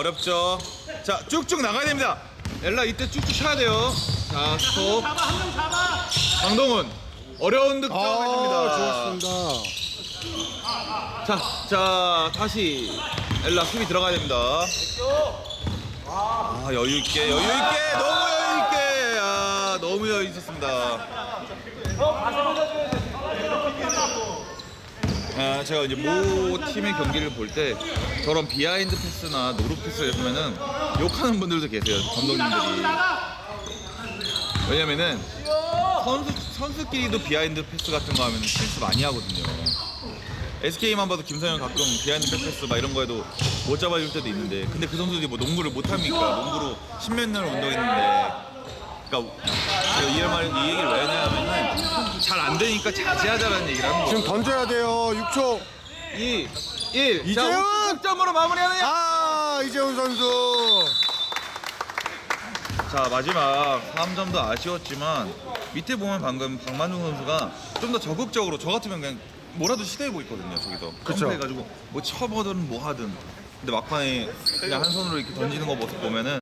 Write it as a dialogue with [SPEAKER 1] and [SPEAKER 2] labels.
[SPEAKER 1] 어렵죠. 자, 쭉쭉 나가야 됩니다. 엘라 이때 쭉쭉 쳐야 돼요. 자, 스톱. 강동훈 어려운 득점 해줍니다.
[SPEAKER 2] 좋았습니다.
[SPEAKER 1] 자, 다시 엘라 수비 들어가야 됩니다. 아, 여유 있게, 너무 여유 있게. 아, 너무 여유 있었습니다. 아, 제가 이제 모 팀의 경기를 볼 때 저런 비하인드 패스나 노루 패스를 보면은 욕하는 분들도 계세요, 감독님들이. 왜냐면은 선수끼리도 비하인드 패스 같은 거 하면 실수 많이 하거든요. SK만 봐도 김성현 가끔 비하인드 패스 막 이런 거에도 못 잡아줄 때도 있는데, 근데 그 선수들이 뭐 농구를 못 합니까? 농구로 십몇 년을 운동했는데. 그러니까 제가 이 얘기를 왜 하냐면은 잘 안 되니까 자제하자라는 얘기를 하는 거예요.
[SPEAKER 2] 지금 던져야 돼요. 6초.
[SPEAKER 1] 2, 1.
[SPEAKER 2] 이재훈!
[SPEAKER 1] 자, 50점으로 마무리하느냐?
[SPEAKER 2] 아, 이재훈 선수.
[SPEAKER 1] 자, 마지막 3점도 아쉬웠지만 밑에 보면 방금 박만중 선수가 좀 더 적극적으로, 저 같으면 그냥 뭐라도 시도해보고 있거든요. 저기서
[SPEAKER 2] 그쵸.
[SPEAKER 1] 점프해가지고 뭐 쳐보든 뭐 하든. 근데 막판에 그냥 한 손으로 이렇게 던지는 거 모습 보면은